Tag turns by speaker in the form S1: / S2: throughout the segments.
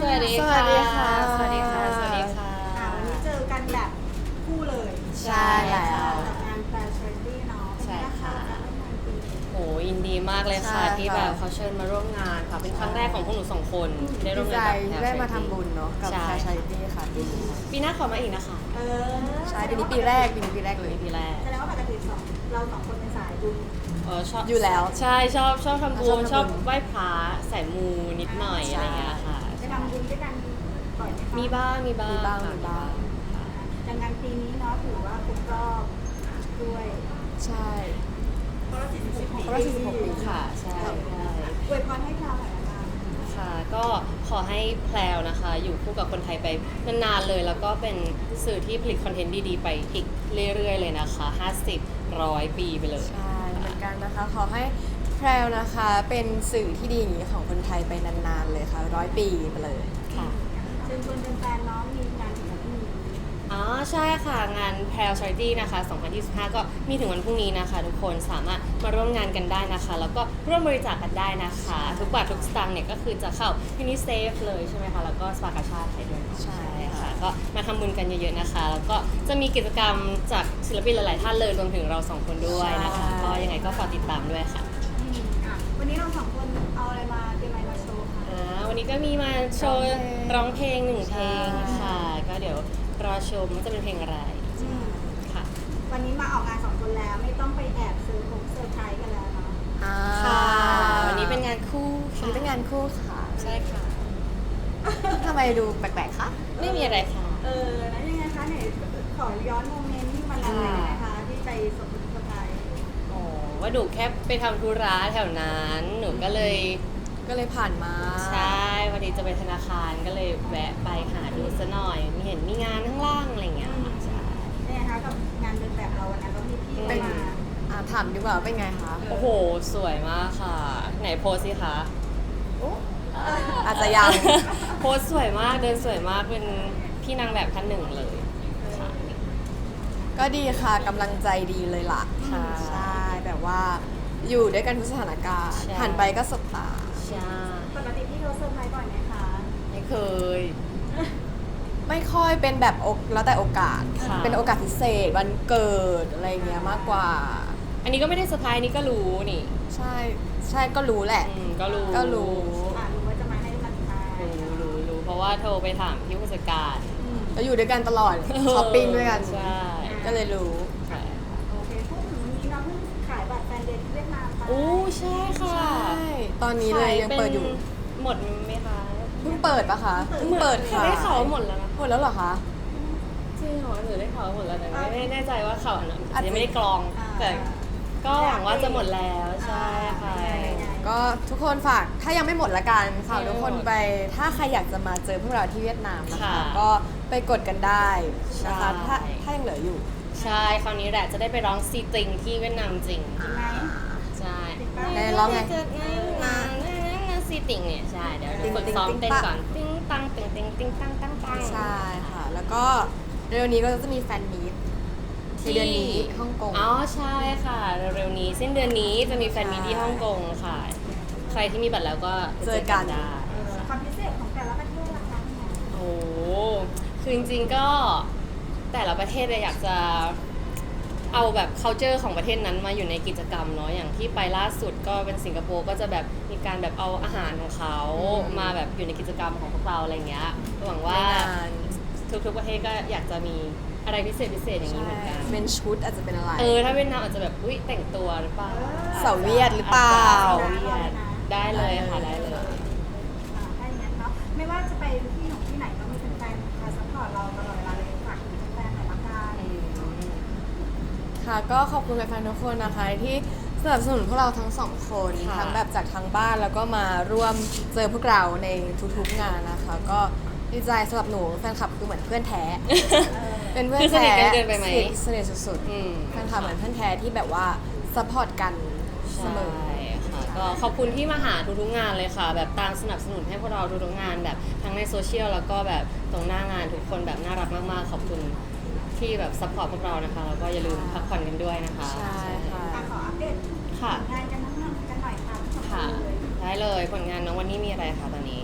S1: วัสดี
S2: ส
S1: ค่ะ
S2: วัสดีค่ะ
S1: สวัสดีค่ะ สวัสดีค่ะ
S3: วันนี้เจอกันแบบคู่เลย
S2: ใช่แล้ว
S3: กับงานแฟร์ชาริตี้เนาะ
S1: ใช่ค่ะ
S3: เป็นไงบ้างการร่วมงานปีนี้
S1: โหยินดีมากเลยค่ะ
S2: ใช่ค่ะ
S1: ที่แบบเขาเชิญมาร่วมงานค่ะ เป็นครั้งแรกของพวกหนูสองคนที่ได้ร่
S2: ดี
S1: วม
S2: ใจ
S1: งานกับ
S2: ได้มาทำบุญเนาะกับ
S1: ใช่
S2: แฟร์ชาริตี้ค่ะปีนี้
S1: ปีหน้าขอมาอีกนะคะ
S3: เออ
S2: ใช่ปีนี้ปีแรกเลย
S1: ปีแรก
S3: แสดงว่าปกติเราสองคนเป็นสายบุญ
S1: ชอบ
S2: อยู่แล้ว
S1: ใช่ชอบทำบุญ
S2: ชอบทำบุญ
S1: ชอบไหว้พระใส่มูนิดหน่อย
S2: ใช่
S1: อะไรอย่างเงี้ยค่ะ
S3: ไปทำบุญด้วยกันบ่อยไหมคะ
S1: มีบ้าง
S2: มีบ้าง
S1: ค่ะ
S2: มีบ้าง
S3: ดังนั้นปีนี้เนาะถือว่าครบรอบด้วย
S2: ใช่
S3: เพราะ
S2: เพราะว่า46 ปี
S1: ค่ะ ใช่ใช่
S3: อวยพรให้เราหน่อยละกัน ค่ะ
S1: ค่ะก็ขอให้แพลวนะคะ อยู่คู่กับคนไทยไปนานๆเลย แล้วก็เป็นสื่อที่ผลิตคอนเทนต์ดีๆ ไปอีกเรื่อยๆเลยนะคะ50-100 ปีไปเลย
S2: ใช่เหมือนกันนะคะ ขอให้แพรวนะคะเป็นสื่อที่ดีอย่างนี้ของคนไทยไปนานๆเลยค่ะ100 ปีไปเลย
S1: ค่ะ
S3: เชิญชวนแฟนๆเนาะมีงานถึงวันพรุ่งนี้
S1: อ๋อใช่ค่ะ งาน p a l Charity นะคะ2025 ก็มีถึงวันพรุ่งนี้นะคะ ทุกคนสามารถมาร่วมงานกันได้นะคะ แล้วก็ร่วมบริจาคกันได้นะคะ ทุกบาททุกสตางค์เนี่ยก็คือจะเข้า UNICEF เลยใช่ไหมคะ แล้วก็สภากาชาติไทยด้วย
S2: ใช่ค่ะ
S1: ค่ะ ก็มาทำบุญกันเยอะๆนะคะ แล้วก็จะมีกิจกรรมจากศิลปินหลายๆท่านเลยรวมถึงเราสองคนด้วยนะคะ ก็ยังไงก็ฝากติดตามด้วยค่ะ
S3: วันนี้เราสองคนเอาอะไรมาเตรียมอะไรมาโชว์คะ
S1: วันนี้ก็มีมาโชว์ร้องเพลงหนึ่งเพลงค่ะ ก็เดี๋ยวรอชมว่าจะเป็นเพลงอะไรค่ะ
S3: วันนี้มาออกงานสองคนแล้วไม่ต้องไปแอบซื้อของเซอร์ไพรส์กันแล้วเนาะ
S1: ค่ะ วันนี้เป็นงานคู่
S2: วัน
S1: ค่ะ
S2: นี้เป็นงานคู่ค่ะ
S1: ใช่ค่ะ
S2: ทำไมดูแปลกๆคะ
S1: ไม่มีอะไรค่ะ
S3: แล้วยังไงคะไหนขอย้อนโมเมนต์ที่มันนั้นเลยได้ไหมคะที่ไปสมเซอร์ไพรส์
S1: อ๋อ ว่าหนูแค่ไปทำธุระแถวนั้น หนูก็เลย
S2: ผ่านมา
S1: ใช่พอดีจะไปธนาคารก็เลยแวะไปหาดูซะหน่อย มีเห็นมีงานข้างล่างอะไรอย่างเงี้ยค่ะใช่
S3: ยังไงคะกับงานเดินแบบเราวันนั้นเรามีพี่
S2: เป็น
S3: มา
S2: ถามดีกว่าเป็นไงคะ
S1: โอ้โห สวยมากค่ะ ไหนโพสสิคะ
S2: อาจจะยัง
S1: โพสสวยมาก เดินสวยมาก เป็นพี่นางแบบท่านหนึ่งเลยค่ะ
S2: ก็ดีค่ะกำลังใจดีเลยล่ะ
S1: ใช่
S2: ใช่แบบว่าอยู่ด้วยกันทุกสถานการณ์
S1: ใช่
S2: หันไปก็สบตา
S1: ใช่
S3: ปกติพี่เขาเซอร์ไพรส์ก่อนไหมคะ
S1: ไม่เคย
S2: ไม่ค่อยเป็นแบบแล้วแต่โอกาส
S1: ค่ะ
S2: เป็นโอกาสพิเศษวันเกิดอะไรเงี้ยมากกว่า
S1: อันนี้ก็ไม่ได้เซอร์ไพรส์อันนี้ก็รู้นี่
S2: ใช่ใช่ก็รู้แหละ
S1: ก็รู้
S2: ก็รู้
S3: รู้ว่าจะมาให้มันมา
S1: รู้ เพราะว่าโทรไปถามพี่ผู้จัดการ
S2: แล้วอยู่ด้วยกันตลอดช้อปปิ้งด้วยกัน
S1: ใช่
S2: ก็เลยรู้
S1: ใช่
S3: โอเคพูดถึงวันนี้น้องเพิ่งขายบัตรแฟนเดย์ที่เวียดนามไป
S1: โอ้ใช่ค่ะ
S2: ใช่ ตอนนี้เลยยังเปิดอยู่
S1: หมดไหมคะ
S2: เพิ่งเปิดปะคะเพิ่งเปิดค่ะ
S1: ได้ข่าวว่าหมดแล้วนะ
S2: หมดแล้วเหรอคะ
S1: จริงเหรอหรือได้ข่าวว่าหมดแล้วแต่ไม่แน่ใจว่าข่าวอันนั้น
S2: อาจจะ
S1: ยังไม่ได้กรอง แต่ก็หวังว่าจะหมดแล้วใช่ค่ะ
S2: ก็ทุกคนฝากถ้ายังไม่หมดละกันฝากทุกคนไป ถ้าใครอยากจะมาเจอพวกเราที่เวียดนามนะคะ
S1: ค่ะ
S2: ก็ไปกดกันได้นะคะ
S1: ใช่
S2: ถ้ายังเหลืออยู่
S1: ใช่คราวนี้แหละจะได้ไปร้องซีติงที่เวียดนามจริง
S3: จริงไหม
S1: ใช่
S2: ไหนร้องไง
S1: ซีติงเนี่ยใช่เดี๋ยว
S2: ติ๊ง
S1: ฝึก
S2: ติ๊ง
S1: ซ้อม
S2: ติ๊ง
S1: เต้น
S2: ปะ
S1: ก่อนติ้งตังติ้งติ้งติ้งตังตังตัง
S2: ใช่ค่ะ แล้วก็เร็วนี้ก็จะมีแฟนมีตในเดือนนี้ฮ่องกง
S1: อ๋อใช่ค่ะเร็วๆนี้สิ้นเดือนนี้จะมีแฟนมีตที่ฮ่องกงค่ะ ใครที่มีบัตรแล้วก็
S2: เจอกัน
S1: ได้
S3: ความพิเศษของแต่ละประเทศล่ะคะพี่แหม่
S1: โอ้โหคือจริงๆก็แต่ละประเทศเลยอยากจะเอาแบบ culture ของประเทศนั้นมาอยู่ในกิจกรรมเนาะอย่างที่ไปล่าสุดก็เป็นสิงคโปร์ก็จะแบบมีการแบบเอาอาหารของเขามาแบบอยู่ในกิจกรรมของพวกเราอะไรเงี้ยหวังว่า
S2: ไม่นาน
S1: ทุกๆประเทศก็อยากจะมีอะไรพิเศษอย่างนี้เหมือนกัน
S2: เป็นชุดอาจจะเป็นอะไร
S1: ถ้าเวียดนามอาจจะแบบอุ้ยแต่งตัวหรือเปล่า
S2: เสาเวียดหรือเปล่า
S1: เสาเวียดได้เลยค่ะได้เลย
S3: ถ้าอย่างนั้นเนาะไม่ว่าจะไปที่ของที่ไหนก็มีแฟนๆคอยซัพพอร์ตเราตลอดเวลาเลยฝากถึงแฟนๆหน่อยละกัน
S2: ค่ะก็ขอบคุณแฟนๆทุกคนนะคะที่สนับสนุนพวกเราทั้งสองคน
S1: ค่ะ
S2: ทั้งแบบจากทางบ้านแล้วก็มาร่วมเจอพวกเราในทุกๆงานนะคะ ก็ดีใจสำหรับหนูแฟนคลับคือเหมือนเพื่อนแท้ เป็นเพื่อน
S1: คือสนิท
S2: แท้
S1: กันเกินไปไหม
S2: สนิทสุด
S1: อืม
S2: ๆแฟนคลับเหมือนเพื่อนแท้ที่แบบว่าซัพพอร์ตกันเสมอ
S1: ใช่ค่ะก็ขอบคุณที่มาหาทุกๆงานเลยค่ะ แบบตามสนับสนุนให้พวกเราทุกๆงานแบบทั้งในโซเชียลแล้วก็แบบตรงหน้างานทุกคนแบบน่ารักมากๆขอบคุณที่แบบซัพพอร์ตพวกเรานะคะแล้วก็อย่าลืมพักผ่อนกันด้วยนะคะ
S2: ใช่ค่ะ
S3: ขออัปเดต
S1: ค่ะ
S3: งานกันทั้งนั้นกันหน่อยค่ะทั้งสองค
S1: ค่ะ
S3: นเลย
S1: ได้เลยผลงานน้องวันนี้มีอะไรคะตอนนี้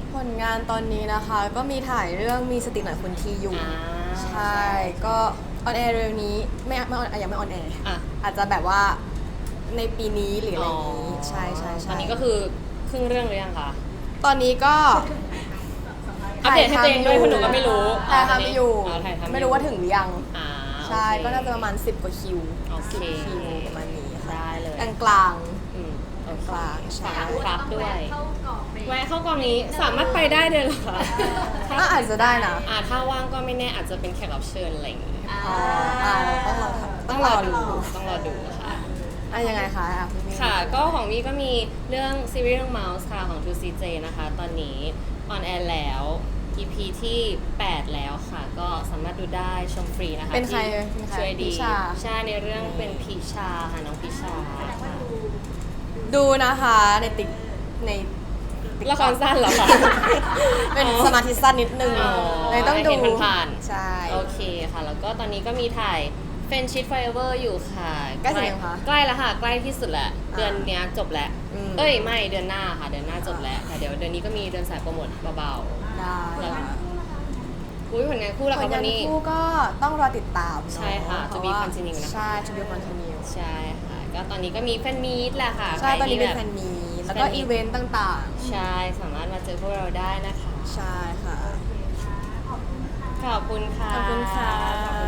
S2: ผลงานตอนนี้นะคะ ก็มีถ่ายเรื่องมีสติหน่อยคุณทีอยู่
S1: อ่า
S2: ใช่ ก็ออนแอร์เร็วนี้ไม่ออนยังไม่ออนแอร์
S1: อ่ะ
S2: อาจจะแบบว่าในปีนี้หรืออะไรอย่างนี้ ใช่ใช่ใช่
S1: ตอนนี้ก็คือครึ่งเรื่องหรือยังคะ
S2: ตอนนี้ก็
S1: อัปเดตให้ตัวเองด้วยคุณหนูก็ไม่รู้
S2: ถ่ายทำอยู่
S1: ถ่ายทำอยู่
S2: ไม่รู้ว่าถึงหรือยัง
S1: อ่า
S2: ใช่
S1: โอเค
S2: ก็น่าจะประมาณ10 กว่าคิว
S1: โอเค
S2: 10 คิวประมาณนี้ค่ะ
S1: ได้เลย
S2: กลาง
S1: อืมโอเค
S2: กลางใช่
S1: ครับด้วย แวะเข้ากองนี้สามารถไปได้เลยเหรอคะ
S2: ๆก็อาจจะได้นะ
S1: ถ้าว่างก็ไม่แน่อาจจะเป็นแขกรับเชิญอะไรอย่างงี้
S2: อ๋อต้องรอดู
S1: ต้องรอดูค่ะ
S2: ยังไงคะพี่มี่
S1: ค่ะ ก็ของมี่ก็มีเรื่องซีรีส์เรื่อง Mouse ค่ะของ 2CJ นะคะ ตอนนี้ออนแอร์แล้ว EP ที่ 8 แล้วค่ะ ก็สามารถดูได้ชมฟรีนะคะ
S2: เป็นใคร
S1: ที่
S2: เป็นใคร
S1: ช่วยดี
S2: พิชา
S1: ใช่ในเรื่องเป็นพิชาค่ะน้องพิชาค่ะ
S2: ดูนะคะในติ๊กใน
S1: ละครสั้นเหรอคะ
S2: เป็นสมาธิสั้นนิดนึง
S1: อ๋อ
S2: เลยต้องดู
S1: เห็นผ่านๆ
S2: ใช่
S1: โอเคค่ะ แล้วก็ตอนนี้ก็มีถ่าย Friendship Forever อยู่ค่ะ
S2: ใกล้เสร็จยังคะ
S1: ใกล้แล้วค่ะ ใกล้ที่สุดแล้ว เดือนเนี้ยจบแล้ว
S2: อืม
S1: เอ้ย ไม่ เดือนหน้าค่ะ เดือนหน้าจบแล้วแต่เดี๋ยวเดือนนี้ก็มีเดือนสายโปรโมทเบา
S2: ได้
S1: แล้ว
S2: ค่ะ
S1: ๆอุ้ยผลงานคู่ละ
S2: ผ
S1: คะ
S2: ล
S1: วั
S2: งาน
S1: นนี้
S2: คู่ก็ต้องรอติดตามเนอะ
S1: ใช่ค่ะ
S2: เพ
S1: To
S2: รา
S1: be
S2: ว่า
S1: continue นะคะ
S2: ใช่ To be continue
S1: ใช่ค่ะ ก็ตอนนี้ก็มีแฟนมีตแหละค่ะ
S2: ใช่ ตอนนี้เป็น
S1: ใค
S2: แฟ
S1: ร
S2: น
S1: ที่
S2: มีตแล้วก็
S1: แฟนมีต
S2: อีเวนต์ต่าง
S1: ใช่ สามารถมาเจอพวกเราได้นะคะ
S2: ๆ ใช่ค่ะ
S3: ขอบคุณค่ะ
S1: ขอบคุณค่ะ
S2: ขอบคุณค่ะ